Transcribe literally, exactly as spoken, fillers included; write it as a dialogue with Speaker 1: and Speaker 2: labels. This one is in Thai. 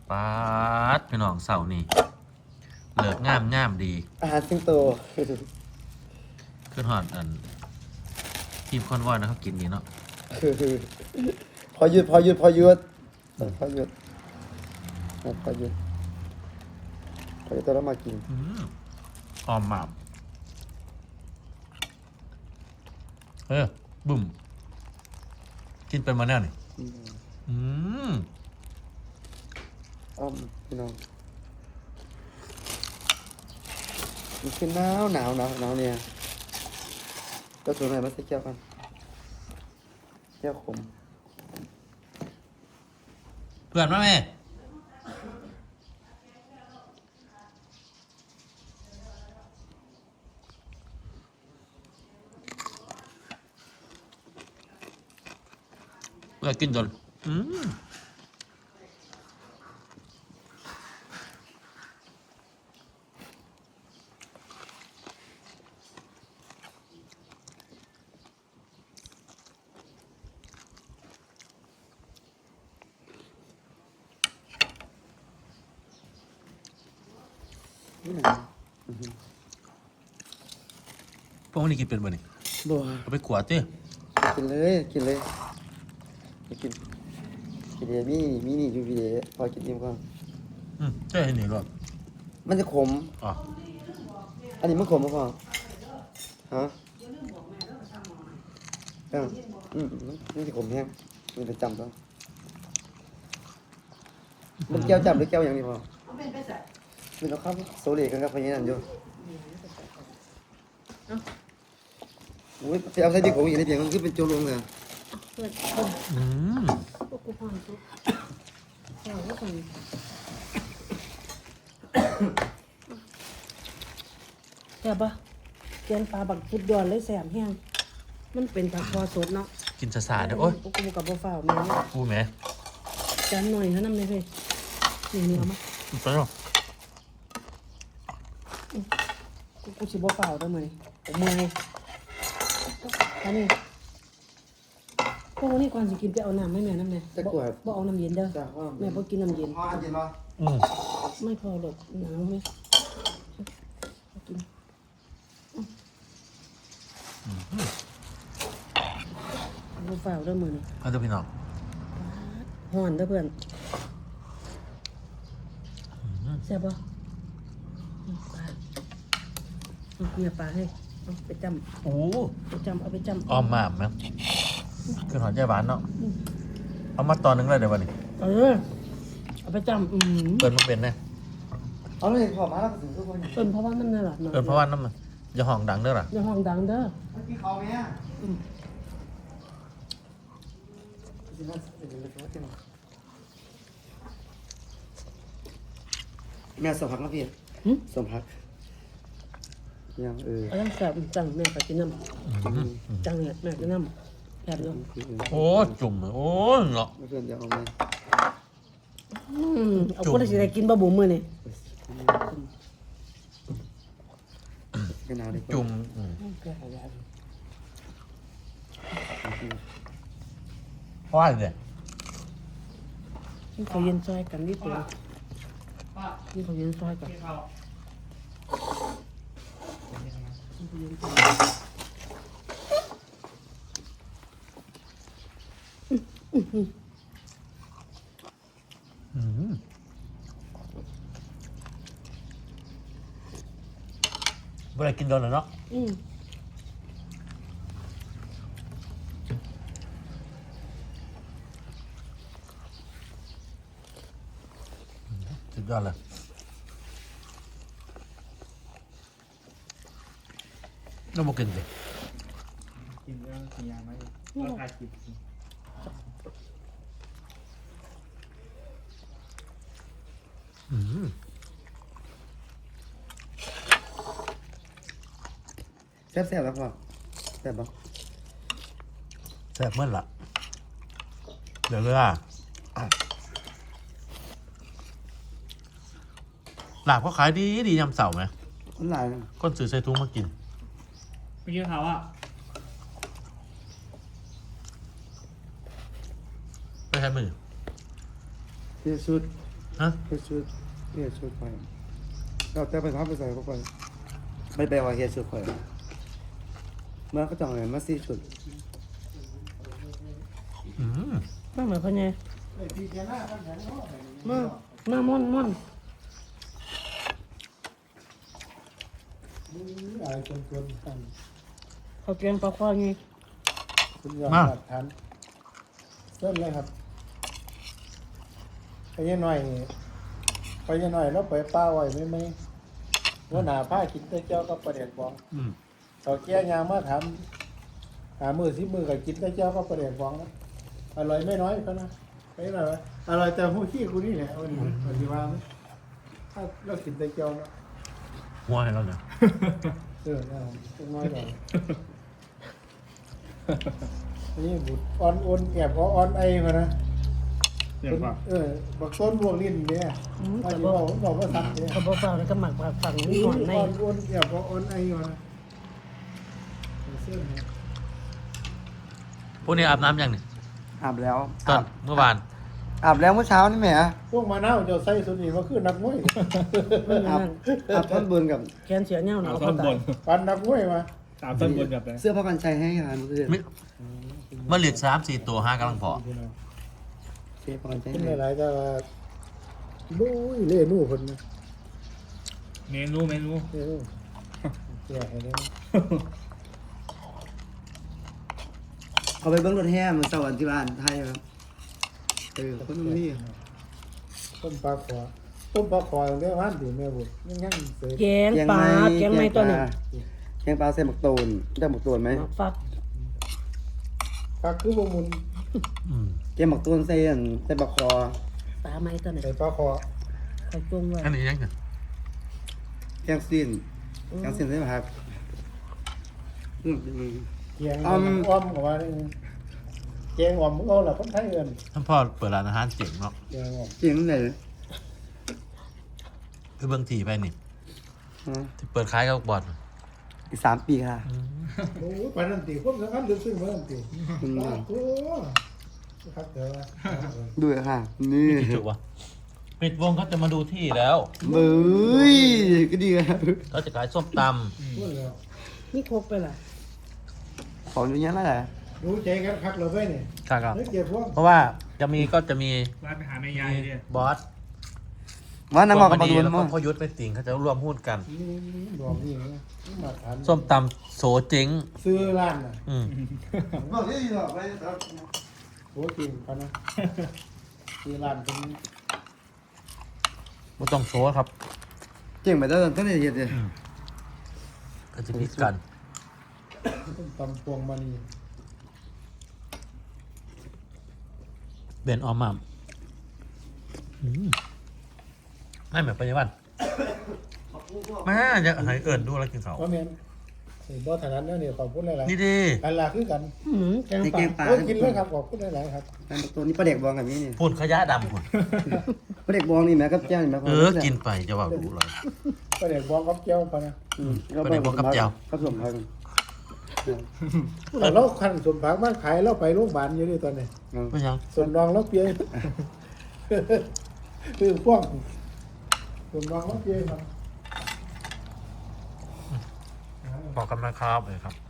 Speaker 1: ป๊าดพี่น้องเสานี่เลิกงามงามดี
Speaker 2: อาหารสิงโต
Speaker 1: ขึ้นหอดอันทีมคอนวอยนะครับกินนี้เนาะ
Speaker 2: พอหยุดพอหยุดพอหยุดพอหยุดพอหยุดพอหยุดตัวเรามากิน
Speaker 1: อืมออมหมาบเออบุ่มกินเป็นมาแน่นี่อืม
Speaker 2: อ้อมพี่น้องมันคือหนาวหนาวหนาวหนาวเนี่ยก็ส่วนไหนมาใส่แก้วกันแก้วขม
Speaker 1: เพื่อนมาแม่เพื่อนกินจนอืมพวกนี้กินเป็นบ่นี่
Speaker 2: บัว
Speaker 1: เอาไปขวดเต้
Speaker 2: กินเลยกินเลยไปกินกินเดี๋ยวมีมีนี่อยู่พี่เดี๋ยวพอกินอิ่มก่อน
Speaker 1: อืมใช่เห็นนี่หรอ
Speaker 2: มันจะขม
Speaker 1: อ๋อ
Speaker 2: อันนี้มันขมมั้งพ่อฮะเอออืมมันจะขมแห้งมันจะจำต้องมันแก้วจำหรือแก้วอย่างนี้พ่อมันเอาข้าวโซเล่กันกับพญานันอยู่โอ้ยไปเอาใส่ดิบของอีกในเพียงมันคือเป็นโจรลงเลย
Speaker 3: เพื่อนเพื่อน
Speaker 1: อืม
Speaker 3: พวกกูฟังทุกเราก็ฟังแซ่บปะแกงปลาบักฟุดยอนเลยแซ่บแห้งมันเป็นปลาคอสดเนาะ
Speaker 1: กินสาๆเด้อโอ้ย
Speaker 3: พวกกูกับบ่ฟ้าวแม่เนี่ย
Speaker 1: กูแม่
Speaker 3: จานหน่อยเท่านั้นเลยเพ่นี่เนื้อมั้ย
Speaker 1: ไปเนาะ
Speaker 3: กูกูสิบ่ฟ้าวได้มื้อนี้ผมเมื่อยอันนี้พวกนี้ก่อนสิกินไปเอาน้ำให้แม่น้ำแน่บ่บ่เอาน้ำเย็นเด้อ
Speaker 2: จ้าว่า
Speaker 3: แม่บ่กินน้ำเย็น
Speaker 2: พ่ออันเย็นป่ะ
Speaker 1: อืม
Speaker 3: ไม่พอหรอกหนาวไหมเอากินบูฝ่าวเด้อมือนี่
Speaker 1: เอาเด้อพี่น้อง
Speaker 3: ห่อนเด้อเพื่อนแซ่บปะอืมปลาเอาเนี่ยปลาให้เอาไปจ
Speaker 1: โอ้
Speaker 3: ำไปจำเอาไปจำ
Speaker 1: ออมหมาบไหมคือหอดใจหวานเนาะเอามาตอนหนึงเลยเดี๋ยววันนี้
Speaker 3: เออเอาไปจำอืม
Speaker 1: เปิดมันเป็นนะ
Speaker 2: เอาเลยพอมาแล้วถึงทุกคน
Speaker 3: เป็นเพราะว่ามันน่ารักเนาะ
Speaker 1: เปิดเพราะว่าน้ำมันอย่าห้องดังเด้อล่ะ
Speaker 3: อย่าห้องดังเด้อ
Speaker 2: เมื่อกี้เขาไหมอ่ะ
Speaker 3: อืม
Speaker 2: แม่สมพักนะพี่
Speaker 3: หึ
Speaker 2: สมพักยังเออ
Speaker 3: เอายังแซ่บจังแม่ไปกินน้ำจังเนี่ยแม่กินน้ำแซ่บอยู่
Speaker 1: โอ้จุ่มเลยโอ้เนาะ
Speaker 2: ไม่เพื่อนจะเอาไหม
Speaker 3: อืมเอาคนที่สิได้กินบะบุ๋มมือนี่
Speaker 2: กันหนาวดีกว่า
Speaker 1: จุ่มอืมเพราะว่าเนี่ย
Speaker 3: นี่เขาเย็นซอยกันนิดเดียวนี่เขาเย็นซอยกัน
Speaker 1: อืมเวลากินโดนแล้วเนาะ
Speaker 3: อืม
Speaker 1: สุดยอดเลยน้ำมันกินสิ
Speaker 4: กินเรื่องสัญญาไหมราคาคิด
Speaker 1: อืม
Speaker 2: แซ่บแซ่บแล้วพ่อแซ่บปะ
Speaker 1: แซ่บเมื่อละเดี๋ยวเลยอ่ะหลาบเขาขายดีดียำเสาไหม
Speaker 2: คนหลายนะ
Speaker 1: ก้นซื้อใส่ถุงมากิน
Speaker 4: เมื่อกี้เขาอ่ะ
Speaker 1: ไม่ใช่มือ
Speaker 2: ที่สุด
Speaker 1: ฮะ
Speaker 2: เฮ็ดชุดเฮ็ดชุดไปเราแต่ไปทำไปใส่เข้าไปไม่ไปว่าเฮ็ดชุดข่อยเมื่อเขาจองเลยมาสี่ชุด
Speaker 1: อืม
Speaker 3: มาเหมือนพ่อใหญ่มามาม่อนม่อน
Speaker 5: อะไรจนจนกัน
Speaker 3: เขาเกลียงปลาคอไง
Speaker 5: คุณยอมหลักฐานเส้นเลยครับไปยังหน่อยไปยังหน่อยแล้วไปป้าไว้ไหมไหมว่าหนาผ้ากินได้เจ้าก็ประเด็นบอก
Speaker 1: อืม
Speaker 5: ต่อแก้ยางมาถามหามือสิมือกับกินได้เจ้าก็ประเด็นบอกนะอร่อยไม่น้อยเขานะไม่อร่อยอร่อยแต่หูขี้กูนี่แหละวันนี้วันที่ว่าถ้าเรากินได้เจ้าเนาะ
Speaker 1: หัวให้เราเนี่ย
Speaker 5: เออน่าจะน้อยหน่อยอันนี้บุตรออนโอนแอบเพราะออนไอมานะ
Speaker 4: เดี๋ยวก่อน
Speaker 5: เออบักต้นบวกลิ้นเนี่ย
Speaker 3: อืม
Speaker 5: ว่า
Speaker 3: แต่
Speaker 5: จะ
Speaker 3: บ่
Speaker 5: บอกบอกว่าสัตว์เนี่ย
Speaker 3: เขาบ่เฝ้าแล้วก็หมักผักฝังนี่หอนใน
Speaker 5: ออนโอนแอบเพราะออนไอมานะเส้นเนี่ย
Speaker 1: พวกนี้อาบน้ำยังเนี่ย
Speaker 2: อาบแล้ว
Speaker 1: ตอนเมื่อวาน
Speaker 2: อาบแล้วเมื่อเช้านี่แหม
Speaker 5: พวกมาเน่าเจ้าไส้สุนีมาคือนักมวย
Speaker 2: อาบอาบท่อนบนกับ
Speaker 3: แขนเสียเน่าหนา
Speaker 4: เอา
Speaker 3: ว
Speaker 4: ท่อ
Speaker 3: เขา
Speaker 4: นบ
Speaker 3: ตาย
Speaker 4: น
Speaker 5: ปันนักมวยมา
Speaker 4: ตามท่อนบนแบบไหน
Speaker 2: เสื้อผ้ากันชัยให้ค่ะเมื่อคืน
Speaker 1: มิเมื่อเหลือสามสี่ตัวห้ากำลังพอ
Speaker 2: เสื้อผ้ากันชัย
Speaker 5: ขึ้น
Speaker 2: ให้
Speaker 5: หลายๆก็ว่าลุยเล่นู่คนนะ
Speaker 4: เมนูเมนู
Speaker 5: เล่นู่แก่ให้ได้
Speaker 2: เอาไปเบิ้งรถแห่มือเสาร์วันที่บ้านไทยครับเออคนนู้นนี่
Speaker 5: ต้มปลาขอต้มปลาขอเรียกว่าดีแม่บุตรยังยังเสย
Speaker 3: แกงปลาแกงไม่ตัวหนึ่ง
Speaker 2: แกงปลาใส่หมักตูนได้หมักตูนไหม
Speaker 3: หมักฟัก
Speaker 5: ปลาคือบมุน
Speaker 1: อืม
Speaker 2: แกงหมักตูนใส่อันใส่บักคอ
Speaker 3: ปลาไม่ตัวหนึ่ง
Speaker 5: ใส่ปลาขอ
Speaker 3: เขาจุ่มไว้
Speaker 1: อันนี้ยังเนี่ย
Speaker 2: แกงซีนแกงซีนใส่ผักอืม
Speaker 5: เกียงอ้อมอ้อมออกมาเนี่ยเกียงอ้อมเอาละคนไทยเอิน
Speaker 1: ท่านพ่อเปิดร้านอาหารเจ๋งเนาะ
Speaker 5: เกียงอ้อม
Speaker 2: จริงไหน
Speaker 1: คือเบื้องทีไปนี่
Speaker 2: ฮะ
Speaker 1: ที่เปิดขายกับบ่อน
Speaker 2: อีกสามปีค่ะ
Speaker 5: โอ้ยปานนันตีคนสำคัญลึกซึ้งเหมือนนันตี
Speaker 2: อืม
Speaker 5: โอ้ครับเดี๋ยวนะ
Speaker 2: ดูเลยค่ะ นี่
Speaker 1: กี่จุวะปิดวงเขาจะมาดูที่แล้ว
Speaker 2: เบ้ยก็ดีครับ
Speaker 1: เขาจะขายส้มต
Speaker 5: พูดแล้ว
Speaker 3: นี่ครกไปล่ะ
Speaker 2: ของอย่างนี้ยนั่นแหละ
Speaker 5: รู้ใจกันคักเราไปเนี่ย
Speaker 1: ำครับ
Speaker 5: นึกเก็บพวก
Speaker 1: เพราะว่าจะมีก็จะมี
Speaker 4: ร้านไปหาแม่ยายเนี่ย
Speaker 1: บอส
Speaker 2: ว่าน้ำมันกับปลาดุน
Speaker 1: แล้วก็
Speaker 2: มั้ง
Speaker 1: พ่อยุทธไปติ่งเขาจะร่วมหุ้นกัน
Speaker 5: นี่บอกนี่นะมาทาน
Speaker 1: ส้มตำโสเจ๋ง
Speaker 5: ซื้อร้านน่ะ
Speaker 1: อืม
Speaker 2: บอกที่หรอกไป
Speaker 5: โหจริงปะนะซื้อร้านเป็น
Speaker 1: ไม่ต้องโซครับ
Speaker 2: เจ๋งไปแล้วตั้งแต่เด็กเลย
Speaker 1: ก็จะพิดกัน
Speaker 5: ต้มตำพวงมณี
Speaker 1: เบนออมมัมอืมไม่เหมือนปัจจุบันแม่จะให้เอิญดูแล้วกินเขาว
Speaker 5: ว่าเมียนไอ้บ่ถนัดเนี่ยเนี่ยขอบคุณหลาย
Speaker 1: นี่ดี
Speaker 5: ๆกันลาคือกัน
Speaker 3: อืมแกง
Speaker 2: ใน
Speaker 3: ป
Speaker 2: แก
Speaker 3: ลาง
Speaker 2: ปลา
Speaker 5: โอ้ยกินเลยครับขอบคุณหลายๆครับ
Speaker 2: แกงตัวนี้ปลาเด็กบองกับนี้นี่
Speaker 1: พูนขยะดำพุ่น
Speaker 2: ปลาเด็กบองนี่แม่กับแจ้งนี่แม่
Speaker 1: เออ กินไปจะว่ากูเลย
Speaker 5: ก็เด็กบอกกับเจ้าปะนะ
Speaker 1: ปลาเด็กบองกับแจ่ว
Speaker 2: กับสมพัก
Speaker 5: แต่เราคันสมผักมาขายเราไปโรงพยาบาลอยู่นี่ตอนนี้
Speaker 1: ไม่ยัง
Speaker 5: ส่วนรองเราเปียคือพ่วงส่วนรองเราเปียครับ
Speaker 1: บอกกันนะครับเลยครับ